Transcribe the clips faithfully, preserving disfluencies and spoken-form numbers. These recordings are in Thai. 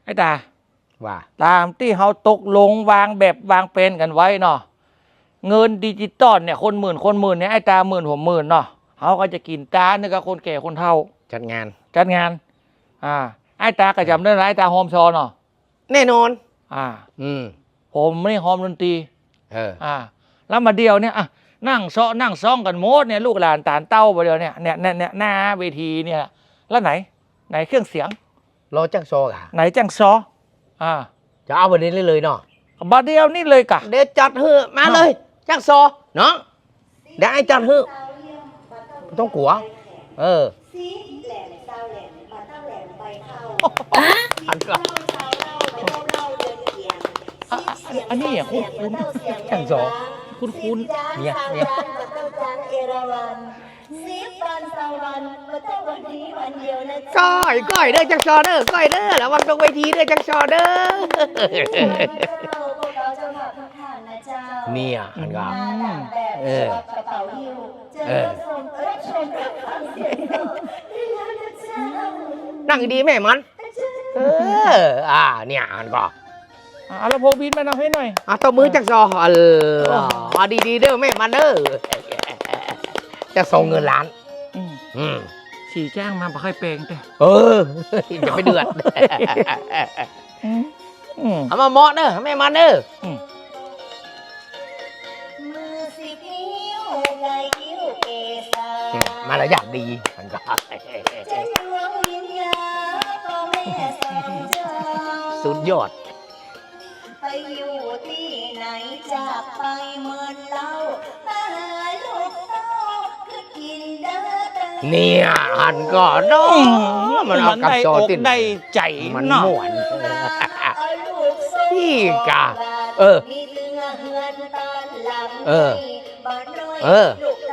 ไอ้ตาว่าตามที่เขาตกลงวางแบบวางเป็นกันไว้เนาะเงินดิจิตอลเนี่ยคนหมื่นคนหมื่นเนี่ยไอ้ตาหมื่นผมหมื่นเนาะเขาก็จะกินตาเนี่ยกับคนแก่คนเฒ่าจัดงานจัดงานอ่าไอ้ตากระจำได้ไหมไอ้ตาโฮมชอเนาะแน่นอนอ่าอืมผมไม่โฮมดนตรีเอออ่าแล้วมาเดียวเนี่ยอ่ะนั่งซ้อนั่งซ้องกันโมดเนี่ยลูกหลานตาลเต้าไปเดียวเนี่ยเนี่ยเนี่ยหน้าเวทีเนี่ยแล้วไหนไหนเครื่องเสียงรอจังโซกะไหนจังซออ่าจะเอาวันนี้เลยเลยเนาะบัดเดียวนี่เลยกะเดี๋ยวจัดเฮือมาเลยจังโซเนาะเดี๋ยวไอ้จัดเฮือต้องกลัวเอออันก็อันนี้อ่ะคุณคุณจังโซคุณคุณเนี่ยเนี่ยก้อยก้อยเด้อจังซอเด้อก้อยเด้อระวังตรงเวทีเด้อจังซอเด้อเนี่ยอันก็เออเออนั่งดีแม่มันเอออ่าเนี่ยอันก็เอาละโพบินมาเอาให้หน่อยอ่ะตัวมือจักซอเอออ่ะดีๆเด้อแม่มันเด้อจะส่งเงินล้านอืมฉี่แจ้งมาบ่ค่อยเปลงแต่เอออย่าไปเดือดเอามาเหมาะเด้อแม่มันเด้อมารยาทดีมันก็สุดยอดไปอยู่ที่ไหนจากไปเมืองเล่ามาหาลูกเต้าคือกินเด้อเนี่ยอันก็น้องมันเอากับโซตินได้ใจมันม่วนพี่กะเออเออเออ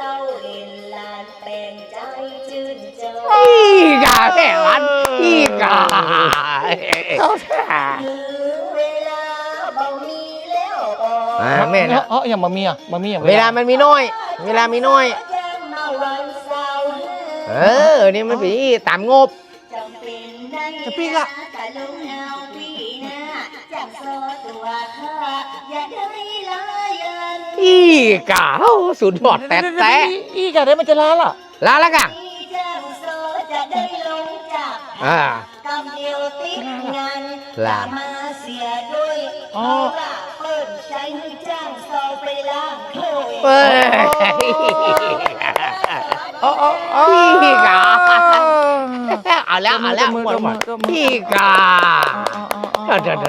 พี่กะแม่วันพี่กะแม่นะเอออย่างบะหมี่อ่ะบะหมี่เวลามันมีน้อยเวลามีน้อยเออนี่มันปีตามงบจะปีกอะอีกะสุดยอดแต่แต่อีกะได้มันจะลาล่ะลาแล้วกะอ่าลาอ๋อเฮ้ยอ๋ออ๋อพี่กาเอาแล้วเอาแล้วหมดหมดพี่กาเจ้าเจ้า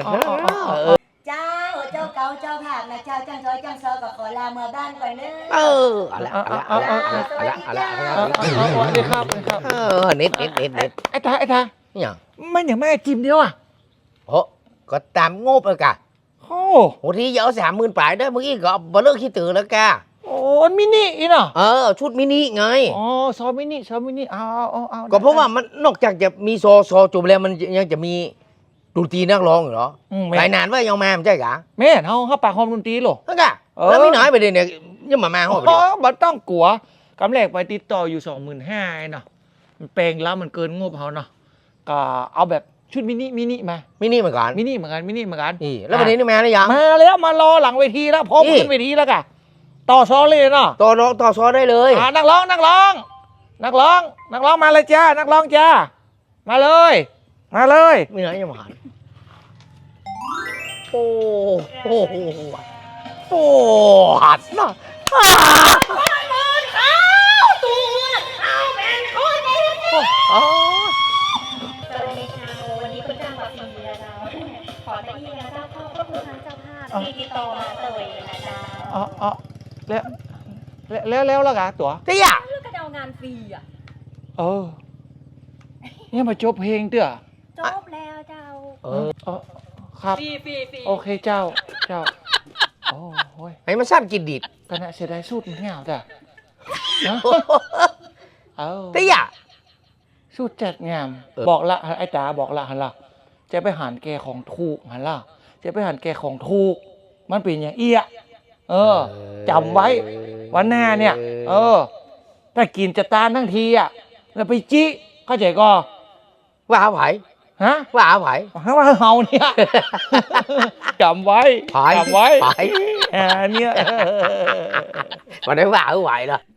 เก่าเจ้าผาดนะเจ้าจังซอยจังซอกับขอลาเมื่อบ้านก่อนเนอะเออเอาละเอาละเอาละเอาละเอาละเอาละเอาละครับครับเออนิดนิดนิดนิดไอ้ตาไอ้ตาเนี่ยไม่อย่างแม่จิมเดียวอ่ะโอ้ก็ตามงบเลยกะโอ้โหที่เยอะสามหมื่นปลายได้เมื่อกี้ก็บ่เลิกขี้ตื่นแล้วกะโอ้มินิอีน่ะเออชุดมินิไงอ๋อซอมินิซอมินิเอาเอาเอาก็เพราะว่ามันนอกจากจะมีโซโซจบแล้วมันยังจะมีดนตรีนักร้องอยู่เหรอหลายนานว่ายังมาไม่ใช่กะแม่เขาเขาปากคอมดนตรีหรอนั่นกะแล้วมีน้อยไปเลยเนี่ยยังมามาห้องไปเดียวมันต้องกลัวกำแรกไปติดต่ออยู่สองหมื่นห้าเนาะมันแปลงแล้วมันเกินงบเขาเนาะก็เอาแบบชุดมินิมินิมามินิเหมือนกันมินิเหมือนกันมินิเหมือนกันนี่แล้ววันนี้นี่มาหรือยังมาแล้วมารอหลังเวทีแล้วพร้อมขึ้นเวทีแล้วกะต่อซอเลยเนาะต่อต่อซอได้เลยอ่านักร้องนักร้องนักร้องนักร้องมาเลยจ้านักร้องจ้ามาเลยมาเลยมีไหนยังมาโอ้โหโอ้หัดนะอ๋อสวัสดีค่ะวันนี้คุณจ้างมาฟรีนะจ๊ะขอแต่ที่นะเจ้าพ่อก็คือทางเจ้าภาพที่ติดต่อมาเลยนะจ๊ะอ๋ออ๋อแล้วแล้วแล้วแล้วกะตัวเตี้ยเลือกกระเดางานฟรีอ่ะเออเนี่ยมาจบเพลงเตี้ยจบแล้วเจ้าเออครับฟรีฟรีฟรีโอเคเจ้าเจ้าโอ้โหไอ้มาสั้นกินดิบกันนะเสียดายสูตรมันเงาจ้ะเออเตี้ยสูตรจัดงามบอกละไอ้ตาบอกละหันละจะไปหันแกของถูกหันละจะไปหันแกของถูกมันเป็นอย่างเอี้ยเออจำไว้วันหน้าเนี่ยเออถ้ากินจะตานทั้งทีอ่ะแล้วไปจี้เข้าใจก็ว่าไหวฮฮะว่าไผ่ว่าเฮาเนี่ยจำไว้ไผ่จำไว้ไผ่แหมเนี่ย mà nếu vào ở ngoài rồi